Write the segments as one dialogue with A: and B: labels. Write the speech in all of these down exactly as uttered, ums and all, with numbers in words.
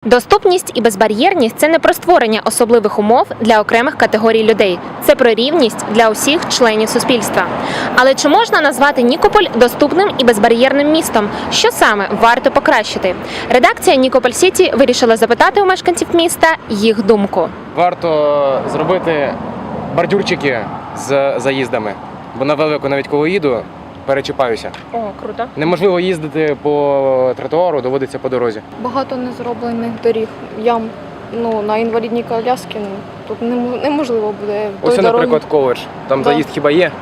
A: Доступність і безбар'єрність – це не про створення особливих умов для окремих категорій людей. Це про рівність для усіх членів суспільства. Але чи можна назвати Нікополь доступним і безбар'єрним містом? Що саме варто покращити? Редакція Нікополь Сіті вирішила запитати у мешканців міста їх думку.
B: Варто зробити бордюрчики з заїздами, бо на велику, навіть коли їду, перечіпаюся.
A: О, круто.
B: Неможливо їздити по тротуару, доводиться по дорозі.
C: Багато незроблених доріг, ям. Ну, на інвалідній коляскі ну, тут нем- неможливо буде.
B: Ось,
C: той
B: наприклад, коледж. Там
C: Да.
B: заїзд хіба є?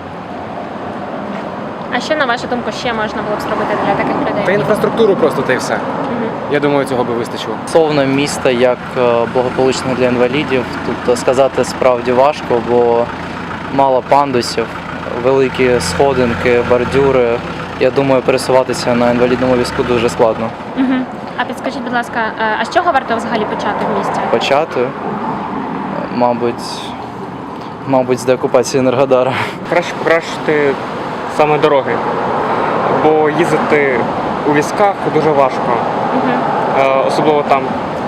A: А що, на вашу думку, ще можна було б зробити для таких людей?
B: Та інфраструктуру просто та й все.
A: Мгм.
B: Я думаю, цього би вистачило.
D: Стосовно міста як е, благополучне для інвалідів, тут сказати справді важко, бо мало пандусів, великі сходинки, бордюри. Я думаю, пересуватися на інвалідному візку дуже складно.
A: Угу. А підскажіть, будь ласка, а з чого варто взагалі почати в місті?
D: Почати, мабуть, мабуть, з деокупації Енергодара.
E: Краще покращити саме дороги, бо їздити у візках дуже важко,
A: Угу.
E: Е, особливо там,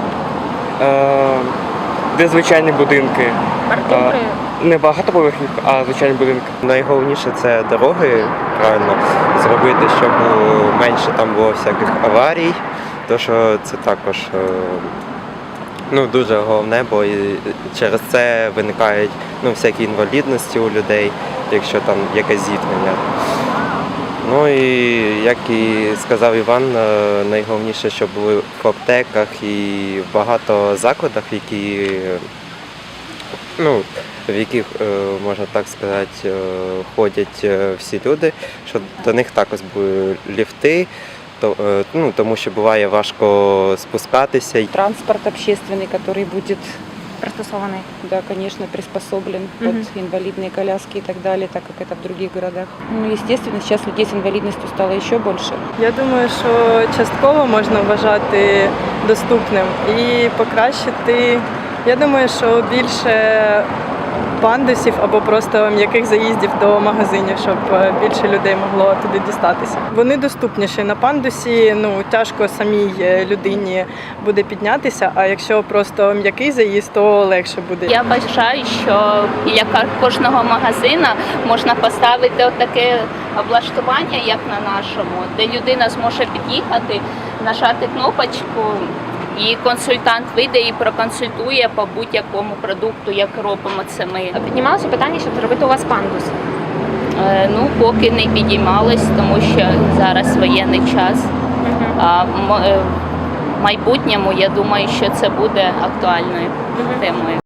E: е, де звичайні будинки,
A: Артури.
E: не багатоповерхівки, а звичайні будинки.
F: Найголовніше це дороги правильно зробити, щоб менше там було всяких аварій, тому що це також е, ну, дуже головне, бо і через це виникають ну, всякі інвалідності у людей, якщо там якесь зіткнення. Ну і як і сказав Іван, е, найголовніше, щоб були в аптеках і в багато закладах, які ну, в яких, е, можна так сказати, е, ходять е, всі люди, що до них також були ліфти, то, е, ну, тому що буває важко спускатися.
G: Транспорт общественный, который будет,
A: Пристосований.
G: да, конечно, приспособлен
A: Мгм.
G: под инвалидные коляски и так далее, так как это в других городах. Ну, естественно, сейчас людей с инвалидностью стало еще больше.
H: Я думаю, що частково можна вважати доступним і покращити. Я думаю, що більше пандусів або просто м'яких заїздів до магазинів, щоб більше людей могло туди дістатися. Вони доступніші на пандусі. Ну тяжко самій людині буде піднятися. А якщо просто м'який заїзд, то легше буде.
I: Я вважаю, що біля кожного магазина можна поставити отаке облаштування, як на нашому, де людина зможе під'їхати, нажати кнопочку, і консультант вийде і проконсультує по будь-якому продукту, як робимо це ми.
A: Піднімалося питання, щоб зробити у вас пандус.
I: Е, Ну, поки не підіймались, тому що зараз воєнний час. А в м- е, в майбутньому, я думаю, що це буде актуальною темою.